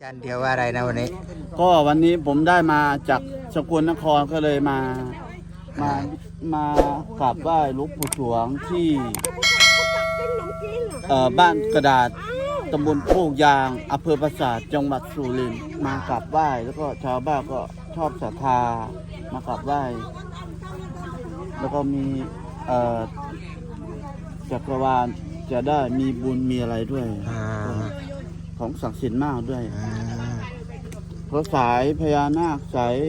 จานเดียวว่าอะไรนะวันนี้ก็วันนี้ผมได้มาจากสกลนครก็เลยมากราบไหว้หลวงปู่สวงที่บ้านกระดาษตำบลโคกยางอำเภอปราสาทจังหวัดสุรินทร์มากราบไหว้แล้วก็ชาวบ้านก็ชอบศรัทธามากราบไหว้แล้วก็มีจักรวาลจะได้มีบุญมีอะไรด้วยของศักดิ์สิทธิ์มากด้วยเพราะสายพญานาคสาย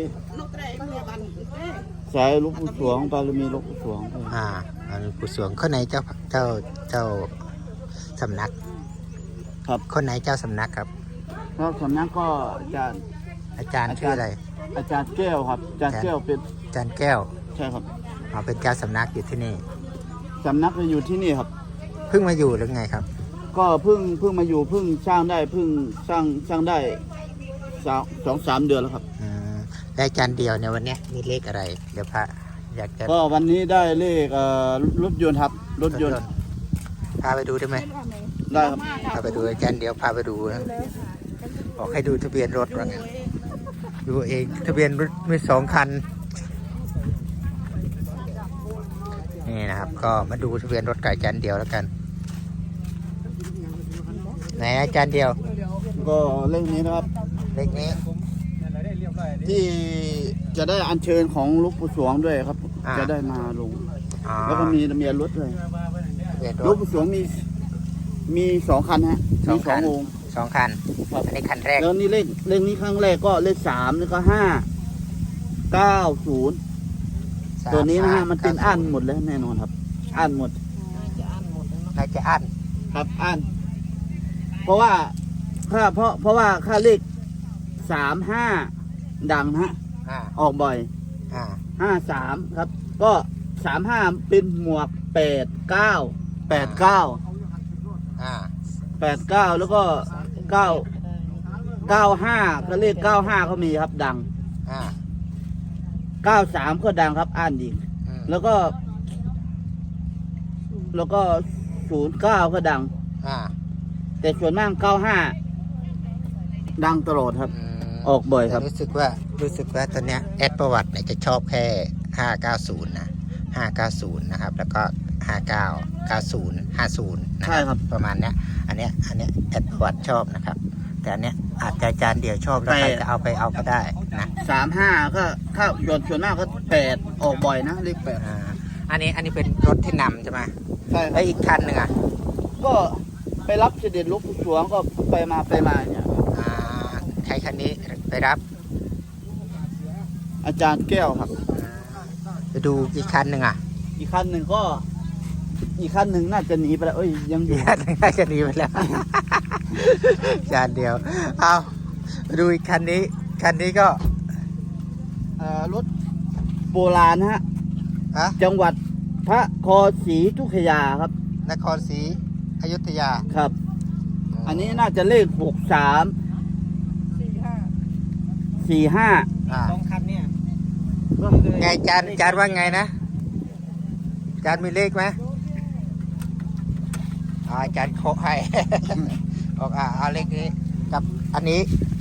หลวงปู่สวงบารมีหลวงปู่สวงหลวงปู่สวงคนไหนเจ้าสำนักครับคนไหนเจ้าสำนักครับแล้วสำนักก็อาจารย์ชื่ออะไรอาจารย์แก้วครับอาจารย์แก้วเป็นอาจารย์แก้วใช่ครับเป็นเจ้าสำนักอยู่ที่นี่สำนักจะอยู่ที่นี่ครับเพิ่งมาอยู่หรือไงครับก็เพิ่งมาอยู่เพิ่งสร้างได้เพิ่งสร้างได้2-3 เดือนแล้วครับและอาจารย์เดียวในวันนี้มีเลขอะไรเดี๋ยวพระอยากจะก็วันนี้ได้เลขรถยนต์ครับรถยนต์พาไปดูได้ไหมได้ครับพาไปดูอาจารย์เดียวพาไปดูนะบอกให้ดูทะเบียนรถว่าไงดูเองทะเบียนรถมี2 คันนี่นะครับก็มาดูทะเบียนรถกับอาจารย์เดียวแล้วกันไหนอาจารย์เดียวก็เลขนี้นะครับเลขนี้ที่จะได้อัญเชิญของหลวงปู่สวงด้วยครับจะได้มาลงแล้วก็มีทะเบียนรถด้วยหลวงปู่สวงมี2 คันฮะมี2 องค์ 2 คันอันนี้คันแรกแล้วนี่เลขนี้ครั้งแรกก็เลข3แล้วก็590ตัวนี้นะฮะมันเป็นอั้นหมดแล้วแน่นอนครับอั้นหมดน่าจะอั้นครับอั้นเพราะว่าค่าเลข35ดังฮะออกบ่อย53ครับก็35เป็นหมวก89แล้วก็95ก็เลข95ก็มีครับดัง93ก็ดังครับอ่านอีกแล้วก็09ก็ดังแต่ส่วนมาก95ดังตลอดครับออกบ่อยครับรู้สึกว่าตอนเนี้ยแอดประวัติเนี่ยจะชอบแค่590นะ590นะครับแล้วก็59 90 50นะครับประมาณเนี้ยอันเนี้ยแอดประวัติชอบนะครับแต่อันเนี้ยอาจจะอาจารย์เดียวชอบแล้วใครจะเอาก็ได้นะ 35ก็ถ้าส่วนมากก็8ออกบ่อยนะเลข8 อันนี้เป็นรถที่นำใช่ไหมใช่แล้วอีกคันหนึ่งก็ไปรับเสด็จหลวงปู่สวงก็ไปมาเนี่ยใครคันนี้ไปรับอาจารย์แก้วครับไปดูอีกคันหนึ่งอีกคันหนึ่งน่าจะหนีไปแล้วยังอยู่น่าจะหนีไปแล้วอาจารย์เดียวเอาดูอีกคันนี้ก็รถโบราณฮะจังหวัดพระนครศรีอยุธยาครับนครศรีอยุธยาครับอันนี้น่าจะเลข63 45 2 คันเนี่ยไงจานว่าไงนะจานมีเลขไหมจานโคให้บอกเอาเลขนี้กับอันนี้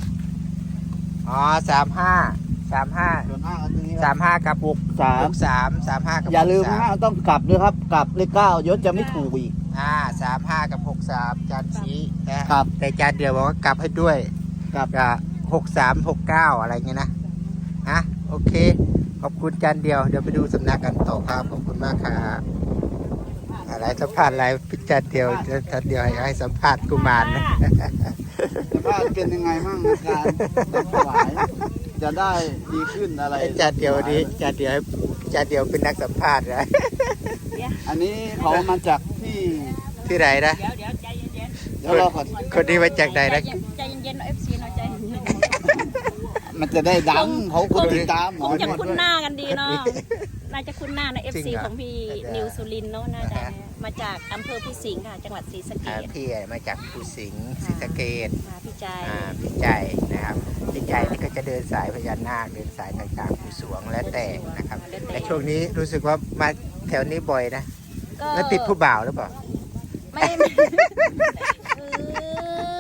35กับ63กับอย่าลืมต้องกลับด้วยครับกลับเลข9ยศจะไม่ถูกอีก 35กับ63จานชี้นะครับแต่จานเดียวบอกว่ากลับให้ด้วยกับ 63 69อะไรเงี้ยนะโอเคขอบคุณจานเดียวเดี๋ยวไปดูสำนักกันต่อครับขอบคุณมากครับอะไรสัมภาษณ์อะไรพิจารณ์เดียวให้สัมภาษณ์กุมารนะสัมภาษณ์เป็นยังไงบ้างในการถวายจะได้ดีขึ้นอะไรจานเดียวนี้จานเดียวเป็นนักสัมภาษณ์นะอันนี้เขามาจากที่ไหนนะเดี๋ยวรอก่อนคนนี้มาจากไหนนะใจเย็นๆFC หน่อยใจมันจะได้ดังเขาคนติดตามคงจะคุ้นหน้ากันดีเนาะน่าจะคุ้นหน้าใน FC ของพี่นิวสุรินทร์เนาะน่าจะมาจากอำเภอพิสิงห์ค่ะจังหวัดศรีสะเกษพี่มาจากภูสิงห์ศรีสะเกษพี่ใจนะครับพี่ใจนี่ก็จะเดินสายพญานาคเดินสายต่างๆภูสวงและแต่นะครับและช่วงนี้รู้สึกว่ามาแถวนี้บ่อยนะแล้วติดผู้บ่าวหรือเปล่าไม่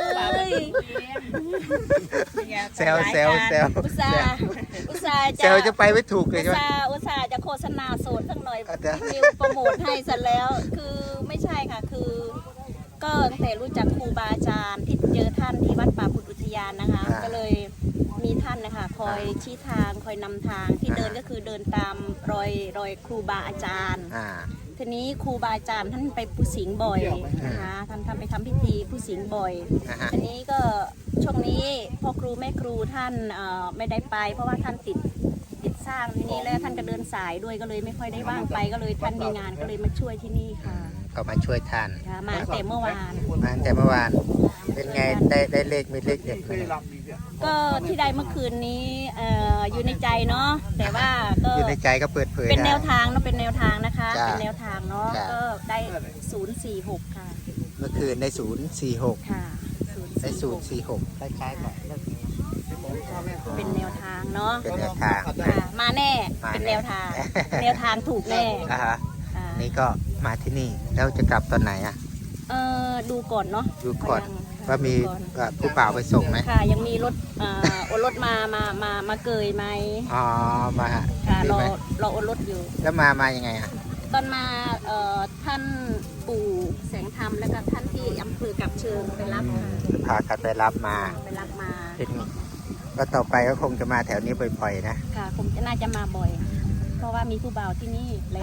เซลเซลเซลอุตส่าห์เซลจะไปไม่ถูกเลยใช่ไหมอุตส่าห์จะโฆษณาโสดสักหน่อยเดี๋ยวนิวโปรโมทให้เสร็จแล้วคือไม่ใช่ค่ะคือก็ตั้งแต่รู้จักครูบาอาจารย์ที่เจอท่านที่วัดป่าพุทธอุทยานนะคะ ก็เลยมีท่านนะคะคอยชี้ทางคอยนำทางที่เดินก็คือเดินตามรอยครูบาอาจารย์ ทีนี้ครูบาอาจารย์ท่านไปผู้สิงห์บ่อยนะคะท่านไปทำพิธีผู้สิงห์บ่อย ทีนี้ก็ช่วงนี้พ่อครูแม่ครูท่านไม่ได้ไป เพราะว่าท่านติดสร้างที่นี่แล้วท่านก็เดินสายด้วยก็เลยไม่ค่อยได้ว่างไปก็เลยท่านมีงานก็เลยมาช่วยที่นี่ค่ะก็มาช่วยท่านมาแต่เมื่อวานมาแต่เมื่อวานเป็นไงได้เลขมีเลขเด็ดไหมก็ที่ได้เมื่อคืนนี้อยู่ในใจเนาะแต่ว่าก็อยู่ในใจก็เปิดเผยเป็นแนวได้ทางเนาะเป็นแนวทางนะคะจ้ะเป็นแนวทางเนาะจ้ะก็ได้046ค่ะเมื่อคืนได้046 ค่ะได้ 046 046คล้ายๆกับเลขนี้เป็นแนวทางเนาะเป็นแนวทางค่ะมาแน่มาแน่เป็นแนวทาง แนวทางถูกแน่อ่ะฮะค่ะนี่ก็มาที่นี่แล้วจะกลับตอนไหนอ่ะดูก่อนเนาะดูก่อนยังค่ะว่ามีดูก่อนผู้เปล่าวไปส่งไหมค่ะยังมีรถโอนรถมาเกยไหมอ๋อมาค่ะดีรอไหมโอนรถอยู่แล้วมายังไงอ่ะตอนมาท่านปู่แสงธรรมแล้วก็ท่านที่อำเภอกับเชิงไปรับค่ะพากันไปรับมาไปรับมาเป็นก็ต่อไปก็คงจะมาแถวนี้บ่อยๆนะค่ะคงจะน่าจะมาบ่อย เพราะว่ามีผู้บ่าวที่นี่แล้ว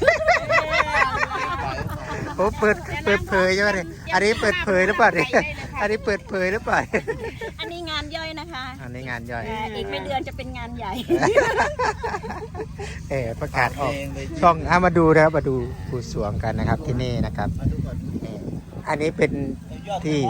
โอ้เปิดเผยใช่ไหมเนี่ยอันนี้เปิดเผยหรือเปล่าเนี่ยอันนี้เปิดเผยหรือเปล่าอันนี้งานย่อยนะคะอันนี้งานย่อยอีกไม่เดือนจะเป็นงานใหญ่ประกาศออกช่องมาดูนะครับมาดูผู้สวงกันนะครับที่นี่นะครับอันนี้เป็นที่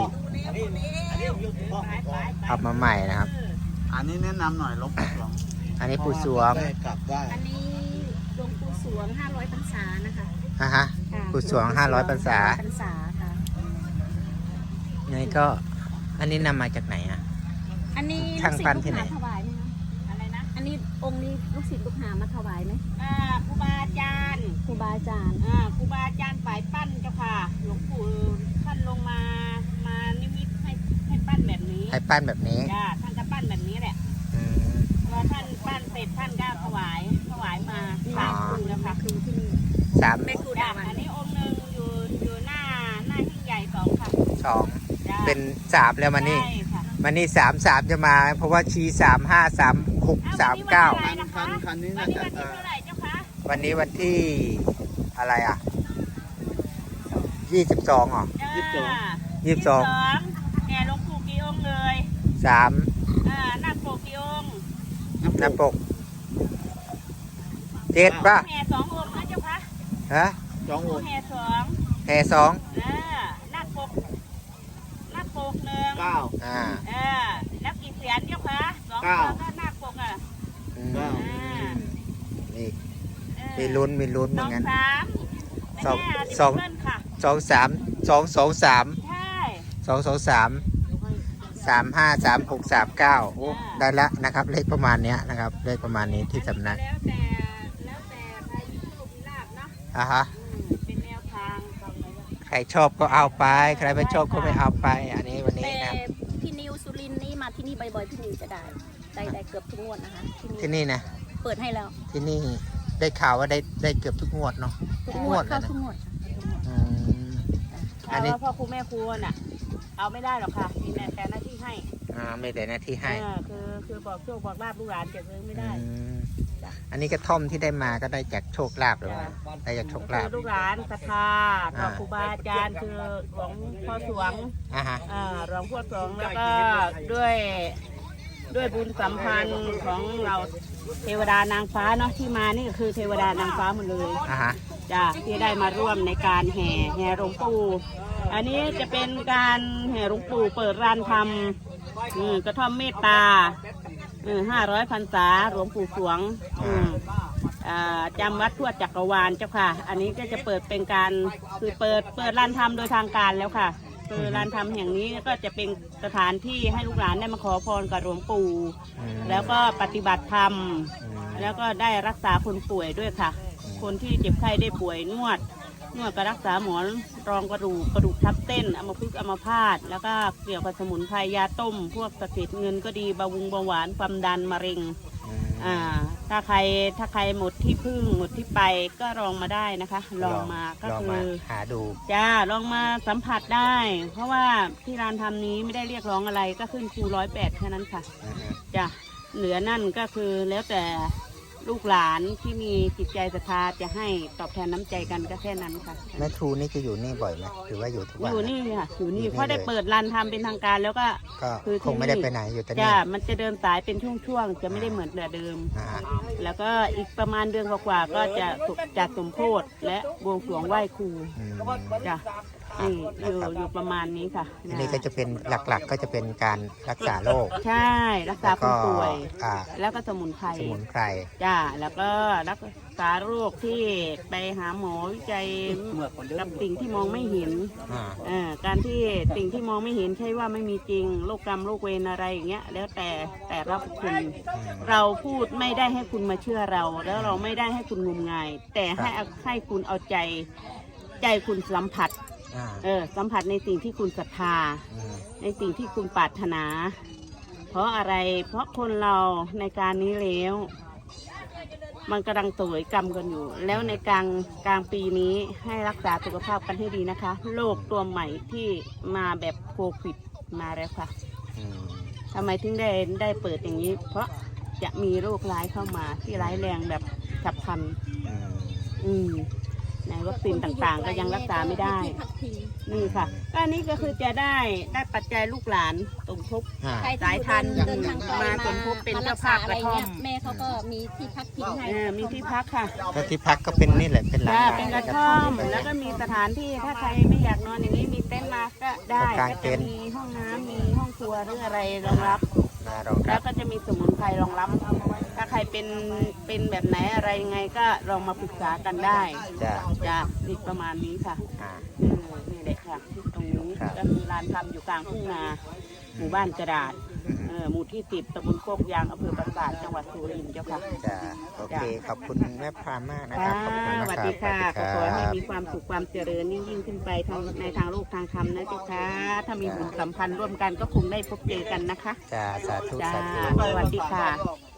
ทำมาใหม่นะครับอันนี้แนะนำหน่อยหลวงปู่สวงอันนี้ผู้สวงกลับไหว้อันนี้หลวงปู่สวง500พรรษานะคะฮะค่ะผู้สวง500พรรษาพรรษาค่ะนี่ก็อันนี้นำมาจากไหนอ่ะอันนี้ช่างปั้นที่ไหนลูกศิษย์ลูกหาถวายไหมคะอะไรนะอันนี้องค์นี้ลูกศิษย์ลูกหามาถวายไหมครูบาอาจารย์ครูบาอาจารย์ครูบาอาจารย์ฝ่ายปั้นเจ้าค่ะ หลวงปู่ท่านลงมานิมิตให้ปั้นแบบนี้ให้ปั้นแบบนี้จ้าท่านก็ปั้นแบบนี้แหละอืมพอท่านปั้นเสร็จท่านก็ถวายมาสามองค์แล้วค่ะครูที่นี่สามเป็นครูจ้าดาวันอันนี้องค์หนึ่งอยู่หน้าหิ้งใหญ่2ค่ะสองจ้าเป็น3แล้วมานี่ใช่ค่ะมานี่3จะมา เพราะว่าชี้353639 คันนี้วัน่านนี้จะวันที่เท่าไหร่เจ้าคะวันนี้วันที่อะไรอ่ะ22เหรอ 22 แห่หลวงปู่กี่องค์เลย 3 หน้าปกกี่องค์หน้าปก7ป่ะแห่2องค์นะเจ้าคะฮะสององค์แห่2 แพร2 หน้าปกหนึ่งอ่าแล้วกี่เสียนเจ้าคะ2ตัวก็หน้าปกอ่ะอืมเก้านี่มีลุ้นเหมือนสองกันสามสองแม่สองเบิ้ลค่ะ 23223 ใช่ 223 353639โอ้ได้แล้วนะครับ เลขประมาณเนี้ยนะครับเลขประมาณนี้ที่สำนักแล้วแต่ใครมีโชคมีลาภเนาะอ่ะฮะเป็นแนวทางของอะไรวะใครชอบก็เอาไป ใครไม่ชอบก็ไม่เอาไป อันนี้วันนี้แต่นะพี่นิวสุรินทร์นี่มาที่นี่บ่อยๆพี่นิวจะได้เกือบทุกงวดนะคะที่นี่นะเปิดให้แล้วที่นี่ได้ข่าวว่าได้เกือบทุกงวดเนาะทุกทุกงงววดดเลเข้ายนะทุกงวดค่ะทุกงวดอืม อัแต่นนี้ว่าพ่อครูแม่ครูน่ะ เอาไม่ได้หรอกค่ะมีแต่หน้าที่ให้ไม่ได้หน้าที่ให้คือบอกโชคบอกลาภลูกหลานจะซื้อไม่ได้อืมอันนี้กระท่อมที่ได้มาก็ได้จากโชคลาภหรือว่าได้จากโชคลาภคือลูกหลานศรัทธาต่อครูบาอาจารย์คือของพ่อสวงอ่ะฮะรองพ่อสวงแล้วก็ด้วยบุญสัมพันธ์ของเราเทวดานางฟ้าเนาะที่มานี่ก็คือเทวดานางฟ้าหมดเลยอ่ะฮะจ้ะที่ได้มาร่วมในการแห่หลวงปู่อันนี้จะเป็นการแห่หลวงปู่เปิดร้านทำกระท่อมเมตตา500 พรรษาหลวงปู่สวงจำวัดทั่วจักรวาลเจ้าค่ะ อันนี้ก็จะเปิดเป็นการคือเปิดร้านทำโดยทางการแล้วค่ะคือร้านทำแห่งนี้ก็จะเป็นสถานที่ให้ลูกหลานได้มาขอพรกับหลวงปู่ แล้วก็ปฏิบัติธรรม แล้วก็ได้รักษาคนป่วยด้วยค่ะ คนที่เจ็บไข้ได้ป่วยนวดนวดก็รักษาหมอนรองกระดูกทับเส้นอัมพฤกษ์อัมพาตแล้วก็เกี่ยวกับสมุนไพรยาต้ม พวกสะเก็ดเงินก็ดีเบาหวานความดันมะเร็งถ้าใครหมดที่พึ่งหมดที่ไปก็ลองมาได้นะคะลองมาก็คือหาดูจ้าลองมาสัมผัสได้ เพราะว่าที่ร้านทำนี้ไม่ได้เรียกร้องอะไรก็ขึ้นครู108แค่นั้นค่ะจ้ะเหลือนั่นก็คือแล้วแต่ลูกหลานที่มีจิตใจศรัทธาจะให้ตอบแทนน้ำใจกันก็แค่นั้นค่ะแม่ครูนี่จะอยู่นี่บ่อยไหมหรือว่าอยู่ทุกวันอยู่นี่ค่ะอยู่นี่เพราะได้เปิดร้านทำเป็นทางการแล้วก็คือคงไม่ได้ไปไหนอยู่แต่นี่จ้ามันจะเดินสายเป็นช่วงๆจะไม่ได้เหมือนแต่เดิมแล้วก็อีกประมาณเดือนกว่าๆก็จะจัดสมโภชและบวงสรวงไหว้ครูจ้ะอยู่ประมาณนี้ค่ะอันนี้ก็จะเป็นหลักๆก็จะเป็นการรักษาโรคใช่รักษาผู้ป่วยแล้วก็สมุนไพรจ้าแล้วก็รักษาโรคที่ไปหาหมอวิจัยกับสิ่งที่มองไม่เห็นการที่สิ่งที่มองไม่เห็นใช่ว่าไม่มีจริงโรคกรรมโรคเวรอะไรอย่างเงี้ยแล้วแต่รับคุณเราพูดไม่ได้ให้คุณมาเชื่อเราแล้วเราไม่ได้ให้คุณงมงายแต่ให้คุณเอาใจคุณสัมผัสสัมผัสในสิ่งที่คุณศรัทธาในสิ่งที่คุณปรารถนาเพราะอะไรเพราะคนเราในการนี้แล้วมันกำลังตวยกรรมกันอยู่แล้วในกลางปีนี้ให้รักษาสุขภาพกันให้ดีนะคะโรคตัวใหม่ที่มาแบบโควิดมาแล้วค่ะทำไมถึงได้เปิดอย่างนี้เพราะจะมีโรคร้ายเข้ามาที่ร้ายแรงแบบฉับพลันในวัคซีนต่างๆก็ยังรักษาไม่ได้นี่ค่ะก็อันนี้ก็คือจะได้ปัจจัยลูกหลานสมทบสายทันมาสมทบเป็นเจ้าภาพกระท่อมแม่เขาก็มีที่พักพิงให้มีที่พักค่ะก็ที่พักก็เป็นนี่แหละเป็นหลังเป็นกระท่อมแล้วก็มีสถานที่ถ้าใครไม่อยากนอนอย่างนี้มีเต็นท์มาก็ได้ก็จะมีห้องน้ำมีห้องครัวหรืออะไรรองรับแล้วก็จะมีสมุนไพรรองรับถ้าใครเป็นแบบไหนอะไรยังไงก็ลองมาปรึกษากันได้จ้ะอีกประมาณนี้ค่ะนี่แหละค่ะตรงนี้ก็มีร้านทำอยู่กลางทุ่งนาหมู่บ้านกระดาษหมู่ที่10ตำบลโคกยางอำเภอปราสาทจังหวัดสุรินทร์เจ้าค่ะจ้ะโอเคขอบคุณแม่พรามมากนะครับขอบคุณสวัสดีค่ะขอให้มีความสุขความเจริญยิ่งขึ้นไปในทางโลกทางธรรมนะเจ้าค่ะถ้ามีบุญสัมพันธ์ร่วมกันก็คงได้พบเจอกันนะคะจ้าสาธุสวัสดีค่ะ